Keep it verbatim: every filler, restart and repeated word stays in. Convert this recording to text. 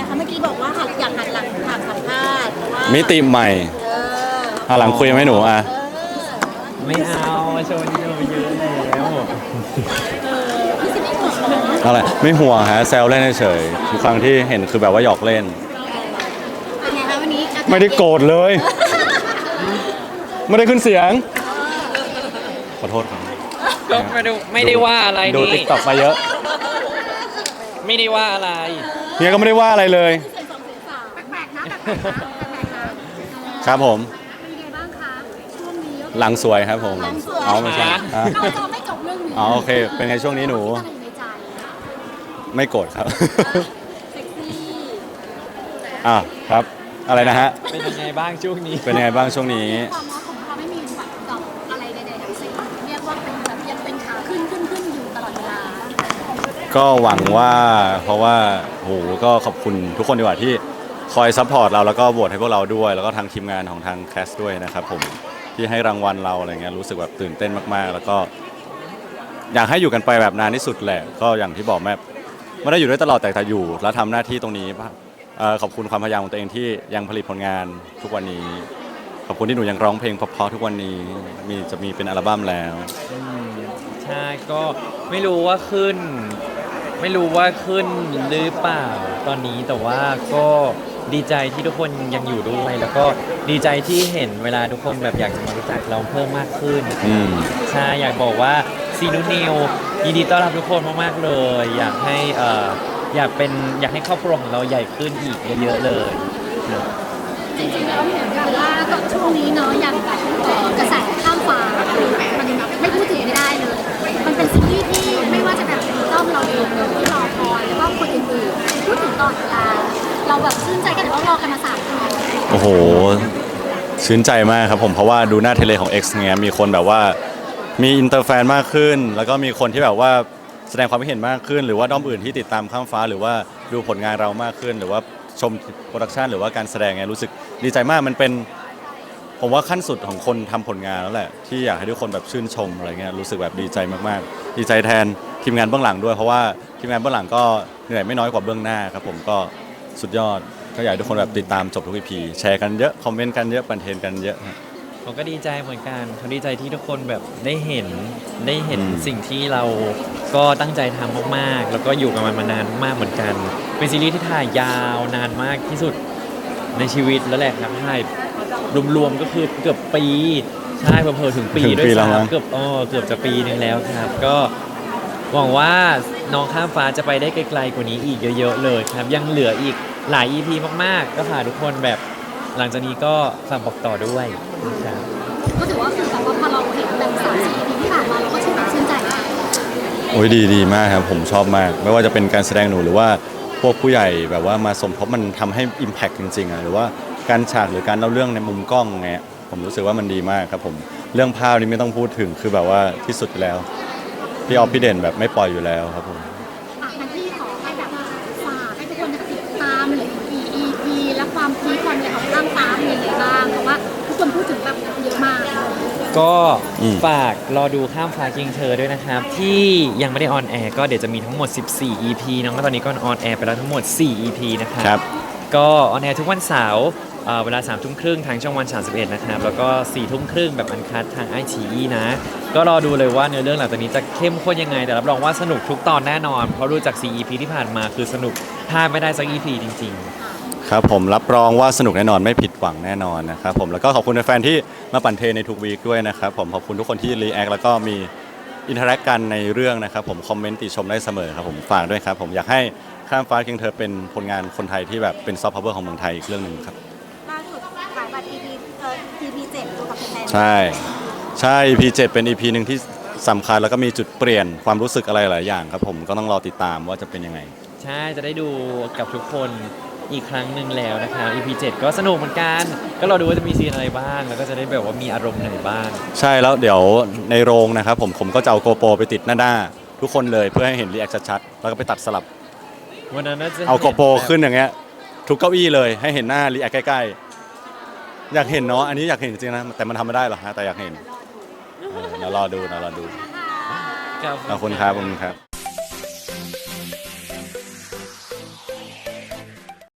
เมื่อกี้บอกว่าอยากหันหลังถามสัมภาษณ์เพราะว่ามิติใหม่เออหันหลังคุยไหมหนูอ่ะเออไม่เอาโชว์นี้เราเยอะแล้วเออพี่สิไม่ห่วงเหรออะไรไม่ห่วงฮะแซวเล่นเฉยๆทุกครั้งที่เห็นคือแบบว่าหยอกเล่นเป็นไงคะวันนี้ไม่ได้โกรธเลย ไม่ได้ขึ้นเสียงขอโทษครับก็ไม่ได้ไม่ได้ว่าอะไรดูนี่ติ๊กต็อกมาเยอะไม่ได้ว่าอะไรเฮียก็ไม่ได้ว่าอะไรเลยเสียงสองเสียงสามแปลกๆนะแปลกๆนะแปลกๆนะครับผมเป็นไงบ้างคะช่วงนี้หลังสวยครับผมหลังสวยอ๋อไม่ใช่อ่ะเราเราไม่จบเรื่องนี้อ๋อโอเคเป็นไงช่วงนี้หนูอะไรอยู่ในใจไม่โกรธครับเซ็กซี่อ่ะครับ อะไรนะฮะเป็นยังไงบ้างช่วงนี้เป็นยังไงบ้างช่วงนี้ความรักของเราไม่มีแบบดอกอะไรใดๆทั้งสิ้นเรียกว่าเป็นแบบยังเป็นขาขึ้นขึ้นขึ้นอยู่ตลอดเวลาก็หวังว่าเพราะว่าโหก็ขอบคุณทุกคนดีกว่าที่คอยซัพพอร์ตเราแล้วก็โหวตให้พวกเราด้วย แล้วก็ทางทีมงานของทางแคสด้วยนะครับผมที่ให้รางวัลเราอะไรเงี้ยรู้สึกแบบตื่นเต้นมากๆ แล้วก็อยากให้อยู่กันไปแบบนานที่สุดแหละก็อย่างที่บอกแม่ไม่ได้อยู่ด้วยตลอดแต่แต่อยู่ แล้วทำหน้าที่ตรงนี้เอ่อขอบคุณความพยายามของตัวเองที่ยังผลิตผลงานทุกวันนี้ ขอบคุณที่หนูยังร้องเพลงเพราะๆทุกวันนี้มีจะมีเป็นอัลบั้มแล้วอืมใช่ก็ไม่รู้ว่าขึ้น ไม่รู้ว่าขึ้นหรือเปล่าตอนนี้แต่ว่าก็ดีใจที่ทุกคนยังอยู่ด้วย แล้วก็ดีใจที่เห็นเวลาทุกคนแบบอยากจะมารู้จักเราเพิ่มมากขึ้นอืมใช่อยากบอกว่าซีนูนิวยินดีต้อนรับทุกคนมากๆเลย อยากให้เอ่ออยากเป็นอยากให้ครอบครัวของเราใหญ่ขึ้นอีกเยอะๆเลยจริงๆแล้วเหมือนกันว่าตอนช่วงนี้เนาะอย่างแบบเอ่อกระแสข้ามฟ้ามันไม่พูดถึงไม่ได้เลย มันเป็นซีรีส์ที่ไม่ว่าจะแบบเป็นต้อมเราเองหรือที่รอคอยแล้วก็คนอื่นๆพูดถึงตลอดเวลาเราแบบชื่นใจกันเพราะรอกันมาสามปีโอ้โหชื่นใจมากครับผมเพราะว่าดูหน้าเทเลของ X เงี้ยมีคนแบบว่ามีอินเตอร์แฟนมากขึ้น แล้วก็มีคนที่แบบว่าแสดงความคิดเห็นมากขึ้น หรือว่าด้อมอื่นที่ติดตามข้ามฟ้าหรือว่าดูผลงานเรามากขึ้น หรือว่าชมโปรดักชันหรือว่าการแสดงไงรู้สึกดีใจมากมันเป็นผมว่าขั้นสุดของคนทำผลงานแล้วแหละที่อยากให้ทุกคนแบบชื่นชมอะไรเงี้ยรู้สึกแบบดีใจมากๆ ดีใจแทนทีมงานเบื้องหลังด้วยเพราะว่าทีมงานเบื้องหลังก็เหนื่อยไม่น้อยกว่าเบื้องหน้าครับผมก็สุดยอดก็อยากให้ทุกคนแบบติดตามจบทุก อี พี แชร์กันเยอะคอมเมนต์กันเยอะบันเทนกันเยอะผมก็ดีใจเหมือนกันเขาดีใจที่ทุกคนแบบได้เห็นได้เห็นอืมสิ่งที่เราก็ตั้งใจทำมากๆ แล้วก็อยู่กับมันมานานมากเหมือนกัน เป็นซีรีส์ที่ถ่ายยาวนานมากที่สุดในชีวิตแล้วแหละครับถ่ายรวมๆก็คือเกือบปีใช่เพิ่มๆถึงปีถึงด้วยปีแล้วมั้งซ้ำเกือบอ๋อเกือบจะปีหนึงแล้วครับ ก็หวังว่าน้องข้ามฟ้าจะไปได้ไกลๆกว่านี้อีกเยอะๆเลยครับยังเหลืออีกหลาย อี พี มากๆ ก็ฝากทุกคนแบบหลังจากนี้ก็ฝากบอกต่อด้วยนะครับก็ถือว่าคือแบบว่าพอเราเห็นแบบสามสี่ อี พีที่ผ่านมาเราก็ชื่นอกชื่นใจมากโอ้ยดีดีมากครับผมชอบมาก ไม่ว่าจะเป็นการแสดงหนูหรือว่าพวกผู้ใหญ่แบบว่ามาสมทบมันทำให้ Impact จริงๆอ่ะหรือว่าการฉากหรือการเล่าเรื่องในมุมกล้องไงผมรู้สึกว่ามันดีมากครับผมเรื่องภาพนี่ไม่ต้องพูดถึงคือแบบว่าที่สุดอยู่แล้วพี่ออฟพี่เด่นแบบไม่ปล่อยอยู่แล้วครับผมอ่ะงั้นที่ขอให้แบบฝากให้ทุกคนติดตามหรือ อี พี และความพีคความอะไรของข้ามฟ้าเป็นยังไงบ้างเพราะว่าทุกคนพูดถึงแบบเยอะมากก็อืมฝากรอดูข้ามฟ้ากิงเธอด้วยนะครับ ที่ยังไม่ได้ออนแอร์ก็เดี๋ยวจะมีทั้งหมด สิบสี่ อี พี น้องก็ตอนนี้ก็ออนแอร์ไปแล้วทั้งหมด สี่ อี พี นะครับครับก็ออนแอร์ทุกวันเสาร์เอ่อเวลาสามทุ่มครึ่งทางช่องวันสามสิบเอ็ดนะครับ แล้วก็สี่ทุ่มครึ่งแบบอันคัดทางไอชีอีนะ ก็รอดูเลยว่าเนื้อเรื่องหลังจากนี้จะเข้มข้นยังไง แต่รับรองว่าสนุกทุกตอนแน่นอน เพราะดูจาก สี่ อี พี ที่ผ่านมาคือสนุกพลาดไม่ได้สัก อี พี จริง ๆครับผมรับรองว่าสนุกแน่นอนไม่ผิดหวังแน่นอนนะครับผมแล้วก็ขอบคุณแฟนๆที่มาปั่นเทรนในทุกวีคด้วยนะครับผมขอบคุณทุกคนที่รีแอคแล้วก็มีอินเทอร์แอคกันในเรื่องนะครับผมคอมเมนต์ติชมได้เสมอครับผมฝากด้วยครับผมอยากให้ข้ามฟ้าเคียงเธอเป็นผลงานคนไทยที่แบบเป็นซอฟต์พาวเวอร์ของเมืองไทยอีกเรื่องหนึ่งครับล่าสุดขายบัตร อี พี เอ่อ อี พี เจ็ดตัวกับแฟนใช่ใช่ อี พี เจ็ดเป็น อี พี หนึ่งที่สำคัญแล้วก็มีจุดเปลี่ยนความรู้สึกอะไรหลายอย่างครับผมก็ต้องรอติดตามว่าจะเป็นยังไงใช่จะได้ดูกับทุกคนอีกครั้งหนึ่งแล้วนะครับ อี พี เจ็ดก็สนุกเหมือนกัน ก็รอดูว่าจะมีซีนอะไรบ้าง แล้วก็จะได้แบบว่ามีอารมณ์ไหนบ้างใช่แล้วเดี๋ยวในโรงนะครับผมผมก็จะเอาโกโปรไปติดหน้าหน้าทุกคนเลยเพื่อให้เห็นรีแอคชัดๆแล้วก็ไปตัดสลับวันนั้นน่าจะเอาโกโปรขึ้นอย่างเงี้ยทุกเก้าอี้เลยให้เห็นหน้ารีแอคใกล้ๆอยากเห็นเนาะอันนี้อยากเห็นจริงๆนะแต่มันทำไม่ได้หรอกฮะแต่อยากเห็นเออเดี๋ยวรอดูเดี๋ยวรอดูๆขอบคุณครับขอบคุณครับ